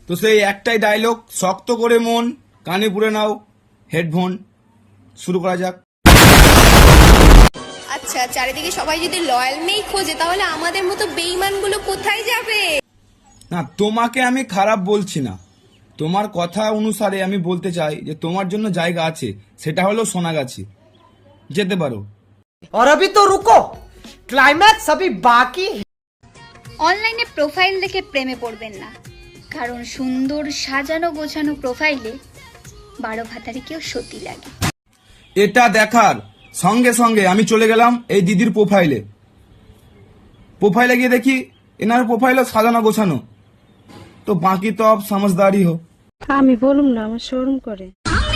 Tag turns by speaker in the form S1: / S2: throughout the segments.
S1: তো সেই একটাই ডায়লগ, শক্ত করে মন, কানে পুরে নাও হেডফোন, শুরু করা যাক।
S2: আচ্ছা, চারিদিকে সবাই যদি লয়াল মেই খোঁজে তাহলে আমাদের মতো বেঈমানগুলো কোথায় যাবে?
S1: না, তোমাকে আমি খারাপ বলছি না, তোমার কথা অনুসারে আমি বলতে চাই যে তোমার জন্য জায়গা আছে, সেটা হলো সোনাগাছি, যেতে পারো।
S3: और अभी तो रुको, क्लाइमैक्स अभी बाकी है।
S4: অনলাইনে প্রোফাইল দেখে প্রেমে পড়বেন না, কারণ সুন্দর সাজানো গোছানো প্রোফাইলে 12 ভাতারিকেও সতী লাগে।
S1: এটা দেখার সঙ্গে সঙ্গে আমি চলে গেলাম এই দিদির প্রোফাইলে গিয়ে দেখি এনার প্রোফাইলে সাজানো গোছানো, তো বাকি তো আপ সমঝদারি হো।
S5: আমি বলুম না, আমার শোরুম করে।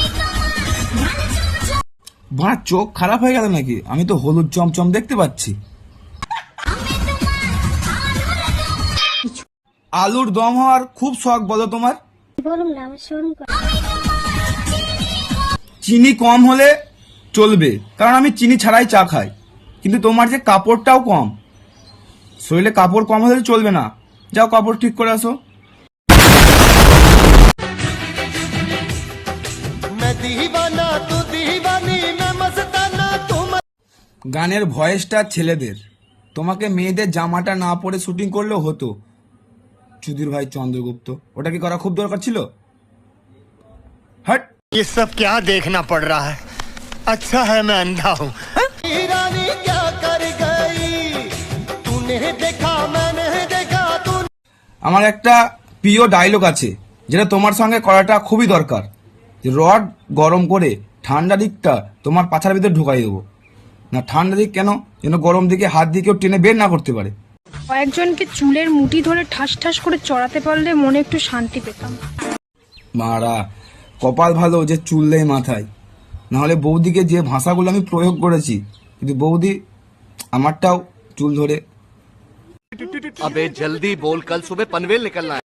S1: বাঁ চোখ খারাপ হয়ে গেল নাকি? আমি তো হলুদ চমচম দেখতে পাচ্ছি। আলুর দম হওয়ার খুব শখ বলো তোমার?
S5: বলুম না, আমার শোরুম করে।
S1: চিনি কম হলে চলবে, কারণ আমি চিনি ছাড়াই চা খাই, কিন্তু তোমার যে কাপড়টাও কম, শরীরে কাপড় কম হলে চলবে না। যাও কাপড় ঠিক করে আসো। গানের ভয়েসটা ছেলেদের, তোমাকে মেয়েদের জামাটা না পরে শুটিং করলেও হতো। চুদির ভাই চন্দ্রগুপ্ত, ওটা কি করা খুব দরকার ছিল? হট,
S6: ये सब क्या देखना पड़ रहा है? अच्छा है मैं अंधा हूँ।
S1: আমার একটা প্রিয় ডায়লগ আছে যেটা তোমার সঙ্গে করাটা খুবই দরকার। রড গরম করে ঠান্ডা দিকটা তোমার পাছার ভিতরে ঢুকাই দেবো না। ঠান্ডা দিক কেন, যেন গরম দিকে হাত দিয়ে কেউ টেনে বের না করতে পারে।
S7: কয়েকজনকে চুলের মুঠি ধরে ঠাস ঠাস করে চড়াতে পারলে মনে একটু শান্তি পেতাম।
S1: মারা কপাল ভালো যে চুল নেই মাথায়, নাহলে বৌদিকে যে ভাষাগুলো আমি প্রয়োগ করেছি, কিন্তু বৌদি আমারটাও চুল ধরে।
S8: अबे जल्दी बोल, कल सुबह पनवेल निकलना है।